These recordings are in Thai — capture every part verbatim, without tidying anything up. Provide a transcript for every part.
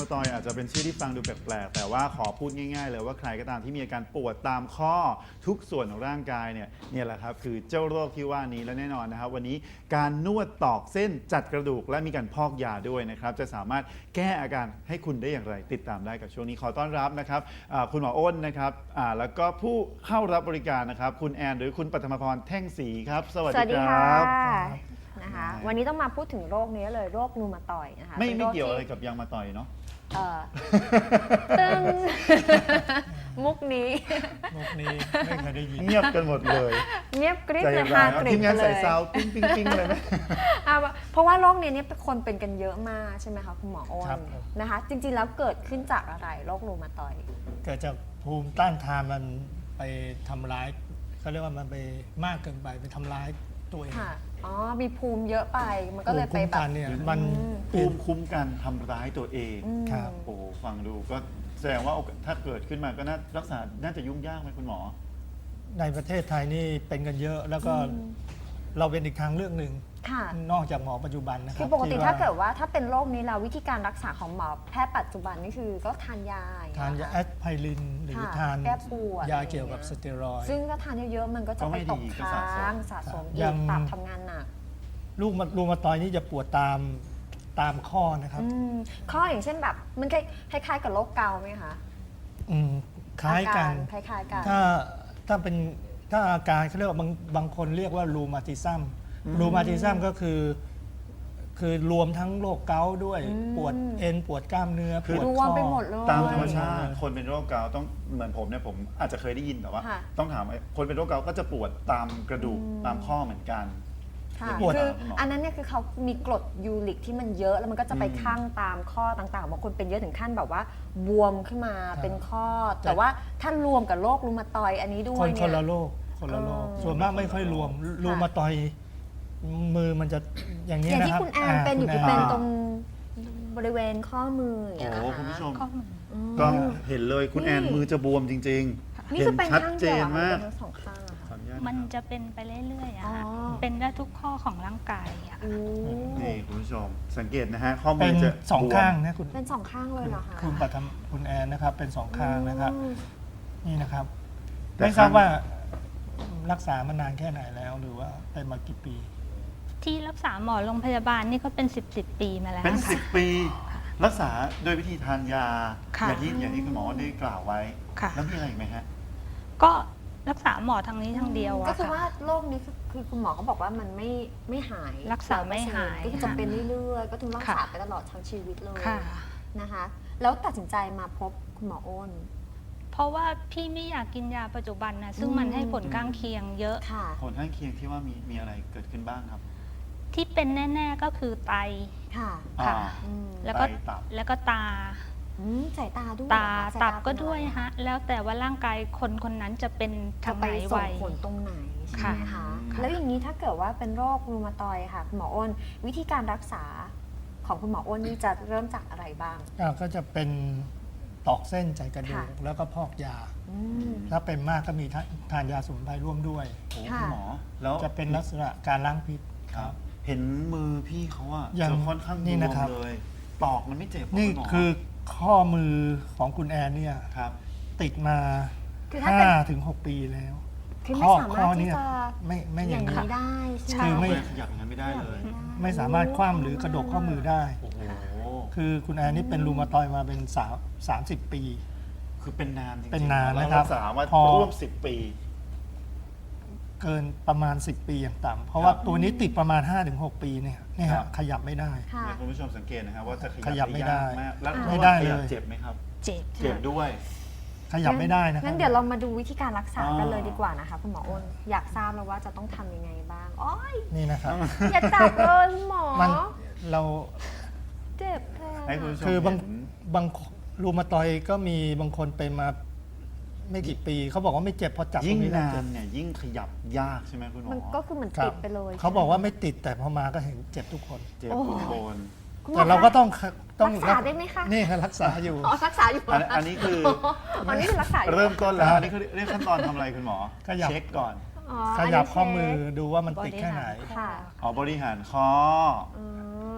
ตอยอาจจะเป็นชื่อที่ฟังดูแปลกๆแต่ว่าขอพูดง่ายๆเลยว่าใครก็ตามที่มีอาการปวดตามข้อทุกส่วนของร่างกายเนี่ยเนี่ยแหละครับคือเจ้าโรคที่ว่านี้และแน่นอนนะครับวันนี้การนวดตอกเส้นจัดกระดูกและมีการพอกยาด้วยนะครับจะสามารถแก้อาการให้คุณได้อย่างไรติดตามได้กับช่วงนี้ขอต้อนรับนะครับคุณหมออ้นนะครับแล้วก็ผู้เข้ารับบริการนะครับคุณแอนหรือคุณปัทมพรแท่งศรีครับสวัสดีครับนะคะวันนี้ต้องมาพูดถึงโรคนี้เลยโรคนูมาตอยนะคะไม่ไม่เกี่ยวอะไรกับยางมาต่อยเนาะเออตึงมุกนี้มุกนี้ไม่เคยได้ยินเงียบกันหมดเลยเงียบกริบเลยฮากริบเลยทีมงานใส่ซาวปิ้งปิ้งปิ้งเลยไหมเพราะว่าโรคนี้เนี่ยคนเป็นกันเยอะมากใช่ไหมคะคุณหมออ้นนะคะจริงๆแล้วเกิดขึ้นจากอะไรโรคนูมาตอยเกิดจากภูมิต้านทานมันไปทำร้ายเขาเรียกว่ามันไปมากเกินไปไปทำร้ายตัวเองอ๋อมีภูมิเยอะไปมันก็เลยไปแบบเนี่ยมันภูมิคุ้มกันทำร้ายตัวเองครับโอ้ฟังดูก็แสดงว่าถ้าเกิดขึ้นมาก็น่ารักษาน่าจะยุ่งยากไหมคุณหมอในประเทศไทยนี่เป็นกันเยอะแล้วก็เราเป็นอีกทางเลือกหนึ่งนอกจากหมอปัจจุบันนะครับคือปกติถ้าเกิดว่าถ้าเป็นโรคนี้เราวิธีการรักษาของหมอแพทย์ปัจจุบันนี่คือก็ทานยาทานยาแอสไพรินหรือทานยาเกี่ยวกับสเตียรอยด์ซึ่งถ้าทานเยอะๆมันก็จะไปตกค้างสะสมอีกตับทำงานหนักลูกรูมาตอยนี่จะปวดตามตามข้อนะครับข้ออย่างเช่นแบบมันคล้ายๆกับโรคเกาต์ไหมคะอืมคล้ายกันคล้ายๆกันถ้าถ้าเป็นถ้าอาการเขาเรียกว่าบางบางคนเรียกว่ารูมาติซัมรูมาติซัมก็คือคือรวมทั้งโรคเกาต์ด้วยปวดเอ็นปวดกล้ามเนื้อปวดข้อตามธรรมชาติคนเป็นโรคเกาต์ต้องเหมือนผมเนี่ยผมอาจจะเคยได้ยินแต่ว่าต้องถามคนเป็นโรคเกาต์ก็จะปวดตามกระดูกตามข้อเหมือนกันคืออันนั้นเนี่ยคือเขามีกรดยูริกที่มันเยอะแล้วมันก็จะไปข้างตามข้อต่างๆบางคนเป็นเยอะถึงขั้นแบบว่าบวมขึ้นมาเป็นข้อแต่ว่าถ้ารวมกับโรครูมาตอยอันนี้ด้วยเนี่ยคนละโรคคนละโรคส่วนมากไม่ค่อยรวมรูมาตอยมือมันจะอย่างนี้นะครับอย่างที่คุณแอนเป็นอยู่คือเป็นตรงบริเวณข้อมืออย่างเงี้ยโอ้คุณผู้ชมก็เห็นเลยคุณแอนมือจะบวมจริงๆเห็นชัดเจนมากมันจะเป็นไปเรื่อยๆอะค่ะเป็นได้ทุกข้อของร่างกายอะนี่คุณผู้ชมสังเกตนะฮะข้อมือจะสองข้างนะคุณเป็นสองข้างเลยเหรอคะคุณปัทมคุณแอนนะครับเป็นสองข้างนะครับนี่นะครับไม่ทราบว่ารักษามานานแค่ไหนแล้วหรือว่าเป็นมากี่ปีที่รักษาหมอโรงพยาบาลนี่ก็เป็นสิบสิบปีมาแล้วเป็นสิบปีรักษาโดยวิธีทานยาอย่างที่อย่างที่คุณหมอได้กล่าวไว้แล้วมีอะไรอีกไหมฮะก็รักษาหมอทางนี้ทางเดียวอะก็คือว่าโรคนี้คือคุณหมอเขาบอกว่ามันไม่ไม่หายรักษาไม่หายก็จะเป็นเรื่อยๆก็ต้องรักษาไปตลอดทั้งชีวิตเลยนะคะแล้วตัดสินใจมาพบคุณหมออ้นเพราะว่าพี่ไม่อยากกินยาปัจจุบันนะซึ่งมันให้ผลข้างเคียงเยอะผลข้างเคียงที่ว่ามีมีอะไรเกิดขึ้นบ้างครับที่เป็นแน่ๆก็คือไตค่ะแล้วก็แล้วก็ตาสายตาด้วยตาตับก็ด้วยฮะแล้วแต่ว่าร่างกายคนคนนั้นจะเป็นทางไหนไวผลตรงไหนใช่ไหมคะแล้วอย่างนี้ถ้าเกิดว่าเป็นโรครูมาตอยค่ะคุณหมออ้นวิธีการรักษาของคุณหมออ้นนี่จะเริ่มจากอะไรบ้างก็จะเป็นตอกเส้นใจกระดูกแล้วก็พอกยาถ้าเป็นมากก็มีทานยาสมุนไพรร่วมด้วยคุณหมอแล้วจะเป็นลักษณะการล้างพิษครับเห็นมือพี่เขาอะจะค่อนข้างบวมเลยตอกมันไม่เจ็บนี่คือข้อมือของคุณแอนเนี่ยติดมาห้าถึงหกปีแล้วข้อข้อนี้ไม่ไม่อย่างนี้ได้คือไม่ขยับอย่างนั้นไม่ได้เลยไม่สามารถคว่ำหรือกระดกข้อมือได้คือคุณแอนนี่เป็นรูมาตอยมาเป็นสามสามสิบปีคือเป็นนานจริงๆเป็นนานนะครับรักษามาร่วมสิบปีเกินประมาณสิบปีอย่างต่ำเพราะว่าตัวนี้ติดประมาณ ห้าถึงหก ปีเนี่ยนี่ฮะขยับไม่ได้คุณผู้ชมสังเกตนะครับว่าจะขยับไม่ได้แล้วไม่ได้เลยเจ็บไหมครับเจ็บเจ็บด้วยขยับไม่ได้นะครับงั้นเดี๋ยวเรามาดูวิธีการรักษากันเลยดีกว่านะคะคุณหมออ้นอยากทราบแล้วว่าจะต้องทำยังไงบ้างอ๋อนี่นะครับอย่าจับเลยหมอเราเจ็บแทนคือบางบางรูมาตอยก็มีบางคนเป็นมาไม่กี่ปีเขาบอกว่าไม่เจ็บพอจับยิ่งนานเนี่ยยิ่งขยับยากใช่ไหมคุณหมอมันก็คือเหมือนติดไปเลยเขาบอกว่าไม่ติดแต่พอมาก็เห็นเจ็บทุกคนเจ็บทุกคนแต่เราก็ต้องต้องรักษาได้ไหมคะนี่รักษาอยู่อ๋อรักษาอยู่อันนี้คืออันนี้คือรักษาเริ่มต้นแล้วอันนี้คือเรียกขั้นตอนทำอะไรคุณหมอเช็คก่อนขยับข้อมือดูว่ามันติดแค่ไหนอ๋อบริหารข้อ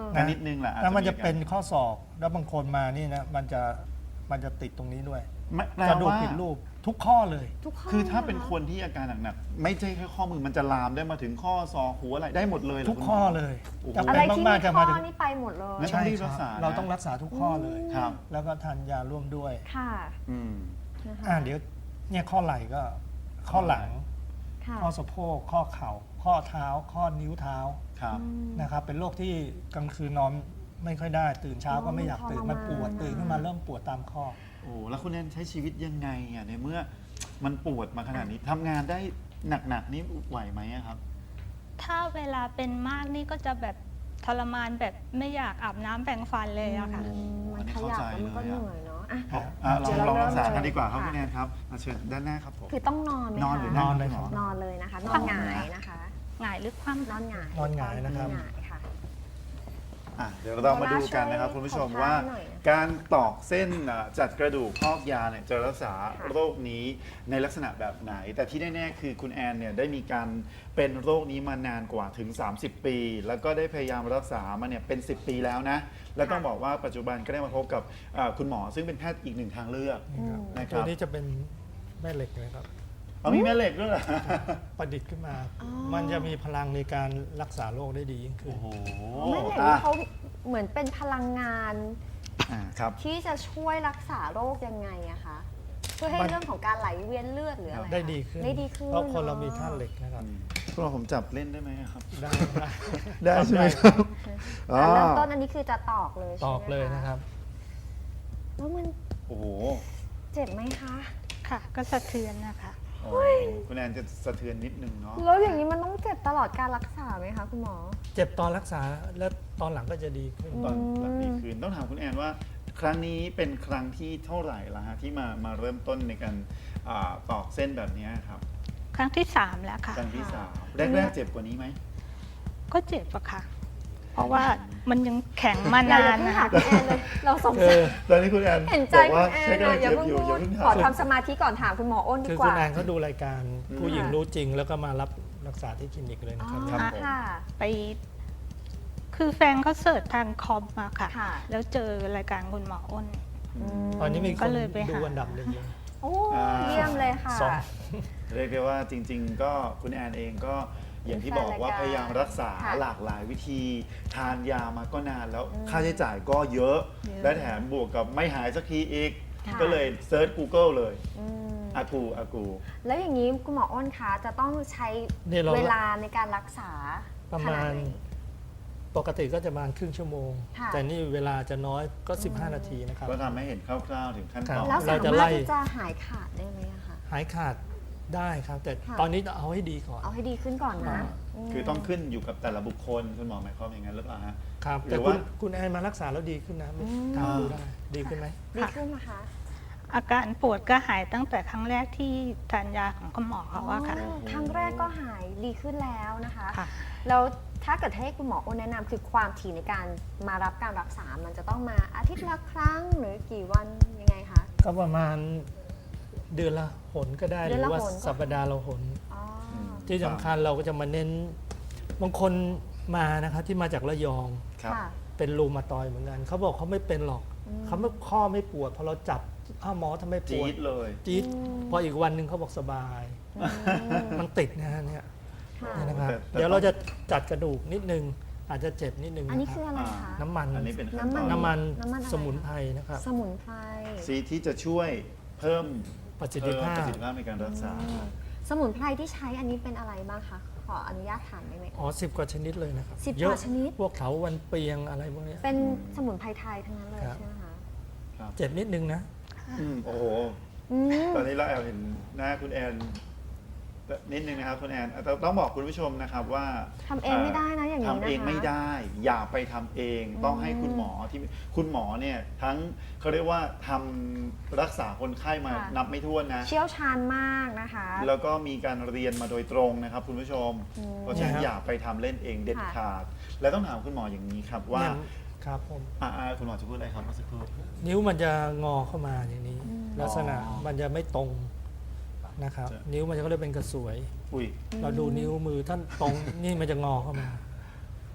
ก็นิดนึงแหละอาจแล้วมันจะอาการเป็นข้อศอกแล้วบางคนมานี่นะมันจะมันจะติดตรงนี้ด้วยไม่แปลกระดูกว่าผิดรูปทุกข้อเลยทุกข้อคือถ้าเป็นลยหรคนที่อาการหนักๆไม่ใช่แค่ข้อมือมันจะลามได้มาถึงข้อศอกหัวอะไรได้หมดเลยเหรทุกข้อเลยโอ้โหจะอะเป็ไรนที่มามีกๆจะข้มาอถึงนี่ไปหมดเลยงั้นใช่รีบครัรับกษานะเราต้องรักษาทุกข้อเลยครับแล้วก็ทานยาร่วมด้วยค่ะอืมนะคะอ่าเดี๋ยวเนี่ยข้อไหล่ก็ข้อหลังค่ะข้อสะโพกข้อเข่า ข้อเท้า ข้อนิ้วเท้าครับนะครับเป็นโรคที่กลางคืนนอนไม่ค่อยได้ ตื่นเช้าก็ไม่อยากตื่นทรมานมันปวดนะตื่นขึ้นมาเริ่มปวดตามข้อโอ้แล้วคุณแอนใช้ชีวิตยังไงอ่ะในเมื่อมันปวดมาขนาดนี้ทำงานได้หนักๆนี่ไหวไหมอะครับถ้าเวลาเป็นมากนี่ก็จะแบบทรมานแบบไม่อยากอาบน้ำแปรงฟันเลยอะค่ะอืมมันขยับแล้วมันก็เหนื่อยเนาะอ่ะเอาอ่ะลองเดี๋ยวลองเรารักษาเริ่มกันดีกว่าครับค่ะคุณแอนครับมาเชิญด้านหน้าครับผมคือต้องนอนไหมคะนอนหรือนอนเลยครับนอนเลยนะคะ นอนหงายนะคะหงายหรือคว่ำนอนหงายนอนหงายนะครับนอนหงายค่ะอ่ะเดี๋ยวเรามาดูกันนะครับคุณผู้ชมว่าขอท้าหน่อยนะการตอกเส้นอ่ะจัดกระดูกพอกยาเนี่ยจะรักษาค่ะโรคนี้ในลักษณะแบบไหน แต่ที่แน่ๆคือคุณแอนเนี่ยได้มีการเป็นโรคนี้มานานกว่าถึง สามสิบ ปี แล้วก็ได้พยายามรักษามาเนี่ยเป็น สิบ ปีแล้วนะ และต้องบอกว่าปัจจุบันก็ได้มาพบกับอ่าคุณหมอซึ่งเป็นแพทย์อีกหนึ่งทางเลือกอืมนะคตัวรับนี้จะเป็นแม่เหล็กนะครับเอามีแม่เหล็กด้วยเหรอประดิษฐ์ขึ้นมาอ๋อมันจะมีพลังในการรักษาโรคได้ดียิ่งขึ้นโอ้โหแม่เหล็กอ่ะนี่เขาเหมือนเป็นพลังงานอ่าครับที่จะช่วยรักษาโรคยังไงอะคะ เพื่อให้มันเรื่องของการไหลเวียนเลือดหรืออะไรคะได้ดีขึ้นได้ดีขึ้นเพราะคนเราอะมีธาตุเหล็กนะครับคุณหมอผมจับเล่นได้ไหมครับได้ได้ได้ใช่ไหมครับอ่ะเริ่มต้นอันนี้คือจะตอกเลยตใช่ไหมอกเลยนะครับแล้วมันโอ้โหเจ็บไหมคะค่ะ ก็สะเทือนนะคะโอ้คุณแอนจะสะเทือนนิดนึงเนาะแล้วอย่างนี้มันต้องเจ็บตลอดการรักษาไหมคะคุณหมอเจ็บตอนรักษาแล้วตอนหลังก็จะดีขึ้นตอนหลังดีคืนต้องถามคุณแอนว่า ครั้งนี้เป็นครั้งที่เท่าไหร่ละฮะที่มามาเริ่มต้นในการอ่าตอกเส้นแบบนี้ครับครั้งที่สามแล้วค่ะครั้งที่ค่ะสามแรกๆเจ็บกว่านี้ไหมก็เจ็บอะค่ะ เพราะว่ามันยังแข็งมาอย่านานเพิ่งนะถาคะมคุณแอนเลย เราสงคืสัอยตอนนี้คุณแอนเห็นใจบอกว่าคุณแอนใช่ก็อะเลยอย่าเจ็บเพิ่งอยู่พูอย่าดเพิ่งขอถามทำสมาธิก่อนถามคุณหมออ้นดีคือก คุว่าณแอนเขาดูรายการอืมผู้หญิงรู้จริง แล้วก็มารับรักษาที่คลินิกเลยอ๋นะอครับครับผมค่ะไป คือแฟนเขาเสิร์ชทางคอมมาค่ะค่ะแล้วเจอรายการคุณหมออ้นมตอนนี้มีคก็นเลยไปหาดูอันดับหนึ่งเลยโอ้อ่าเยี่ยมเลยค่ะสองเรียกได้ว่าจริง ๆ ก็คุณแอนเองก็อย่างที่บอกว่าพยายามรักษาค่ะหลากหลายวิธี ทานยามาก็นานแล้วอืมค่าใช้จ่ายก็เยอะเยอะและแถมบวกกับไม่หายสักทีอีกค่ะก็เลยเซิร์ช Google เลยอืมอากูอากูแล้วอย่างนี้คุณหมออ้นคะจะต้องใช้เนี่ยเราเวลาในการรักษาประมาณขนดไหนปกติก็จะประมาณครึ่งชั่วโมงค่ะแต่นี่เวลาจะน้อยก็ สิบห้า นาทีนะครับก็ทำให้เห็นคร่าวๆถึงขั้นตอนแล้วเราสาจะมาไล่รถที่จะหายขาดได้ไหมอะคะหายขาดได้ครับ แต่ค่ะตอนนี้เอาให้ดีก่อนเอาให้ดีขึ้นก่อนนะคือต้องขึ้นอยู่กับแต่ละบุคคลคุณหมอหมายความอย่างนั้นหรือเปล่าฮะครับหรืแต่อคุณว่าคุณแอนมารักษาแล้วดีขึ้นนะถามดูได้ดีขึ้นไหมดีขึ้นนะคะอาการปวดก็หายตั้งแต่ครั้งแรกที่ทานยาของคุณหมอเขาอะค่ะอ๋อครั้งแรกก็หายดีขึ้นแล้วนะคะค่ะแล้วถ้าเกิดให้คุณหมออ้นแนะนำคือความถี่ในการมารับการรักษา มันจะต้องมาอาทิตย์ละครั้งหรือกี่วันยังไงคะก็ประมาณเดือนละหนก็ได้หเดือนรือละว่าหนก็สัปดาห์ละหนอ๋ออมที่สำคัญเราก็จะมาเน้นบางคนมานะครับที่มาจากระยองครับค่ะเป็นรูมาตอยด์เหมือนกันเขาบอกเขาไม่เป็นหรอกอืมเขาไม่ข้อไม่ปวดพอเราจับอ้าวหมอทำไมปจี๊วดดเลยจี๊ดอืมพออีกวันหนึ่งเขาบอกสบายอืมมันติดนะฮะเนี่ยค่ะเนี่ยนะครับแต่แต่เดี๋ยวเราจะจัดกระดูกนิดนึงอาจจะเจ็บนิดนึงอันนี้นะคคือรับอะไรคะน้ำมันอันนี้เป็นขั้นตอนน้ำมันน้ำมันน้ำมันอะไรสมุนไพรนะครับสมุนไพรซีที่จะช่วยเพิ่มประสิทธิภาเพิ่มประพสิทธิภาพในการรักษาสมุนไพรที่ใช้อันนี้เป็นอะไรบ้างคะ ขออนุญาตถามได้ไหมอ๋อสิบกว่าชนิดเลยนะครับสิบเยอะกว่าชนิดพวกเถาวันเปียงอะไรพวกเนี้ยเป็นสมุนไพรไทยทั้งนั้นเลยครับใช่ไหมคะเจ็บนิดนึงนะอืมโอ้โหอืมตอนนี้เราแอบเห็นหน้าคุณแอนนิดนึงนะครับคุณแอนแต่ต้องบอกคุณผู้ชมนะครับว่าทำเองไม่ได้นะอย่างนี้นะคะทำเองไม่ได้ อย่าไปทำเอง ต้องให้คุณหมอที่คุณหมอเนี่ยทั้งเขาเรียกว่าทำรักษาคนไข้มาค่ะนับไม่ถ้วนนะเชี่ยวชาญมากนะคะแล้วก็มีการเรียนมาโดยตรงนะครับคุณผู้ชมอืมเพราะฉะนั้นเนี่ยครับอย่าไปทำเล่นเองเด็ดค่ะขาด และต้องถามคุณหมออย่างนี้ครับว่าเนี่ยครับผมอ่าคุณหมอจะพูดอะไรครับเมื่อสักครู่นิ้วมันจะงอเข้ามาอย่างนี้ ลักษณะอ๋อมันจะไม่ตรงนะครับจะนิ้วมันจะก็เลยเป็นกระสวยอุ้ยเราดูนิ้วมือท่านตรง นี่มันจะงอเข้ามาซ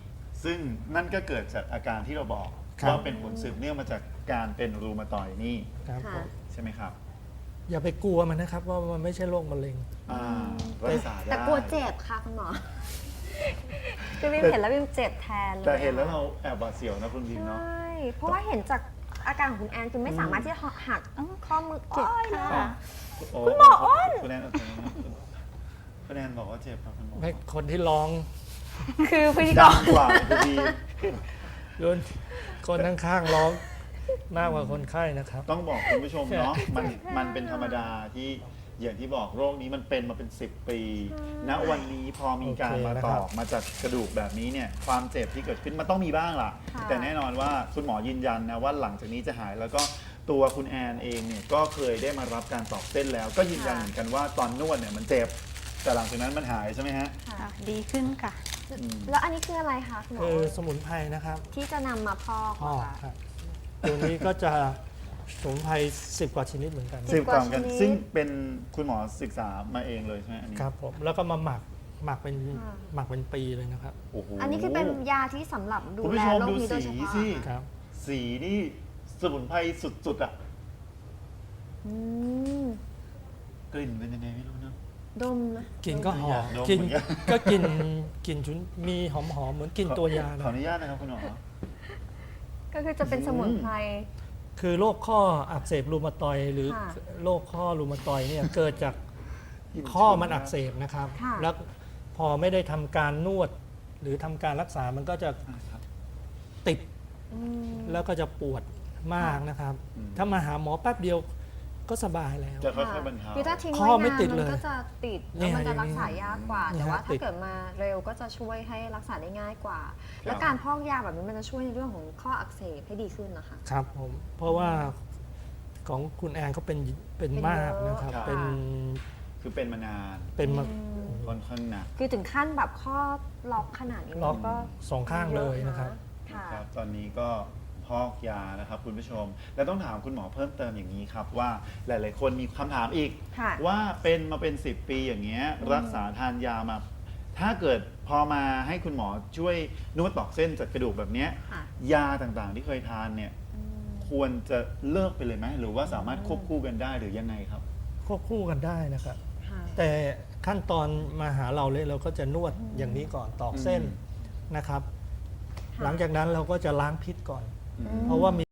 ซึ่งนั่นก็เกิดจากอาการที่เราบอกครับว่าเป็นผลสืบเนื่องมาจากการเป็นรูมาตอยด์นี่ครับผค่ะมใช่ไหมครับอย่าไปกลัวมันนะครับว่ามันไม่ใช่โรคมะเร็งอ่ารักษาได้แต่กลัวเจ็บค่ะคุณหมอ คือวิมเห็นแล้ววิมเจ็บแทนเลยแต่เห็นแล้วเราแอบหวาดเสียวนะคุณพิมพ์ใชเนาะ่เพราะว่าเห็นจากอาการของคุณแอนคือไม่สามารถที่จะหักข้อมือเจ็บอ้อยเลยค่ะอะคุณหมออ้นคุณแอนเอาตัวนี้คุณแอนบอกว่าเจ็บครับคุณหมอให้คนที่ร้องคือพิธีกดัรงกว่าคุณพีโดนคนข้างๆร้องมากกว่าคนไข้นะครับต้องบอกคุณผู้ชมเนาะมันมันเป็นธรรมดาที่อย่างที่บอกโรคนี้มันเป็นมาเป็นสิบปี ณวันนี้พอมีการโอเคมานะตครัอบ กมาจากกระดูกแบบนี้เนี่ยความเจ็บที่เกิดขึ้นมันต้องมีบ้างล่ะค่ะแต่แน่นอนว่าคุณหมอยืนยันนะว่าหลังจากนี้จะหายแล้วก็ตัวคุณแอนเองเนี่ยก็เคยได้มารับการตอกเส้นแล้ว ก็ยืนยันเหมือนกันว่าตอนนวดเนี่ยมันเจ็บ แต่หลังจากนั้นมันหายใช่ไหมฮะค่ะค่ะดีขึ้นค่ะแล้วอันนี้คืออะไรคะคุณหมอคือสมุนไพรนะครับที่จะนำมาพอกพ่อเหรอคะครับตัวนี้ก็จะสมุนไพรสิบกว่าชนิดเหมือนกันสิบกว่ากันชนิดซึ่งเป็นคุณหมอศึกษามาเองเลยใช่ไหมอันนี้ครับผมแล้วก็มาหมักหมักเป็นค่ะหมักเป็นปีเลยนะครับโอ้โหอันนี้คือเป็นยาที่สำหรับดูคุณแลผู้ชมโรคดูนี้โดยสีเฉพาะสิครับสีนี่สมุนไพรสุดๆอ่ะอืมกลิ่นเป็นยังไงไม่รู้เนอะดมนะกลินก็หอมดมกลินเหมือนกันก็กลินกลินชุนมีหอมหอมๆเหมือนกลินตัวยาขนะออนุญาตนะครับคุณหมอก็คือจะเป็นสมุนไพรคือโรคข้ออักเสบรูมาตอยด์หรือค่ะโรคข้อรูมาตอยด์เนี่ย เกิดจากข้อมันอักเสบนะครับค่ะแล้วพอไม่ได้ทำการนวด หรือทำการรักษามันก็จะครับติดอืมแล้วก็จะปวดมากนะครับอืมถ้ามาหาหมอแป๊บเดียวก็สบายแล้วจะค่อยๆบรรเทาคือถ้าทิ้งข้ไว้อไม่นานติดมัเลนยก็จะติดเนี่แล้วยมันจะอย่างนี้รักษายากกว่าเนี่ยแต่ว่าติถ้าดเกิดมาเร็วก็จะช่วยให้รักษาได้ง่ายกว่าครับและการพอกยาแบบนี้มันจะช่วยในเรื่องของข้ออักเสบให้ดีขึ้นนะคะครับผมเพราะว่าของคุณแอนเขาเป็นเป็นเป็นมากเยอะนะครับครับเป็นคือเป็นมานานเป็นมาอืมค่อนข้างหนักคือถึงขั้นแบบข้อล็อกขนาดนี้ล็อกก็สองข้างเลยนะครับค่ะนะครับตอนนี้ก็พอกยานะครับคุณผู้ชม แล้วต้องถามคุณหมอเพิ่มเติมอย่างนี้ครับว่าหลาย ๆ คนมีคำถามอีกค่ะว่าเป็นมาเป็น สิบ ปีอย่างเงี้ยรักษาทานยามา ถ้าเกิดพอมาให้คุณหมอช่วยนวดตอกเส้นจัดกระดูกแบบเนี้ยค่ะยาต่าง ๆ ที่เคยทานเนี่ยอืมควรจะเลิกไปเลยไหมหรือว่าสามารถควบคู่กันได้หรือยังไงครับควบคู่กันได้นะครับค่ะแต่ขั้นตอนมาหาเราเลยเราก็จะนวดอย่างนี้ก่อนตอกเส้นอืมนะครับค่ะหลังจากนั้นเราก็จะล้างพิษก่อนอืมเพราะว่ามี